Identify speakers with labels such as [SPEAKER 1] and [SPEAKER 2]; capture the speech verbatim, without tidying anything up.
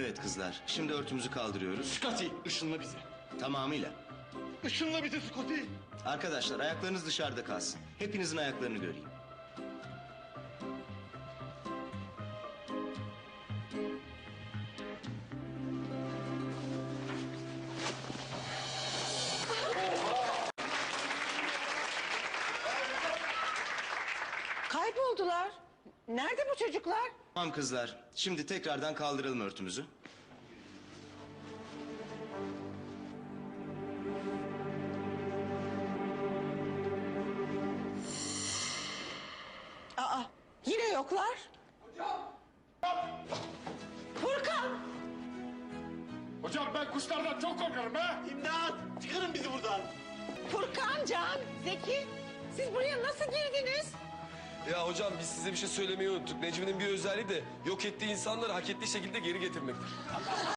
[SPEAKER 1] Evet kızlar, şimdi örtümüzü kaldırıyoruz.
[SPEAKER 2] Scotty, ışınla bizi.
[SPEAKER 1] Tamamıyla.
[SPEAKER 2] Işınla bizi Scotty.
[SPEAKER 1] Arkadaşlar ayaklarınız dışarıda kalsın. Hepinizin ayaklarını göreyim.
[SPEAKER 3] Kayboldular. Nerede bu çocuklar?
[SPEAKER 1] Tamam kızlar, şimdi tekrardan kaldıralım örtümüzü.
[SPEAKER 3] Aa, yine yoklar. Furkan!
[SPEAKER 2] Hocam ben kuşlardan çok korkarım ha. İmdat, çıkarın bizi buradan.
[SPEAKER 3] Furkan, Can, Zeki, siz buraya nasıl girdiniz?
[SPEAKER 4] Ya hocam biz size bir şey söylemeyi unuttuk. Necmi'nin bir özelliği de yok ettiği insanları hak ettiği şekilde geri getirmektir.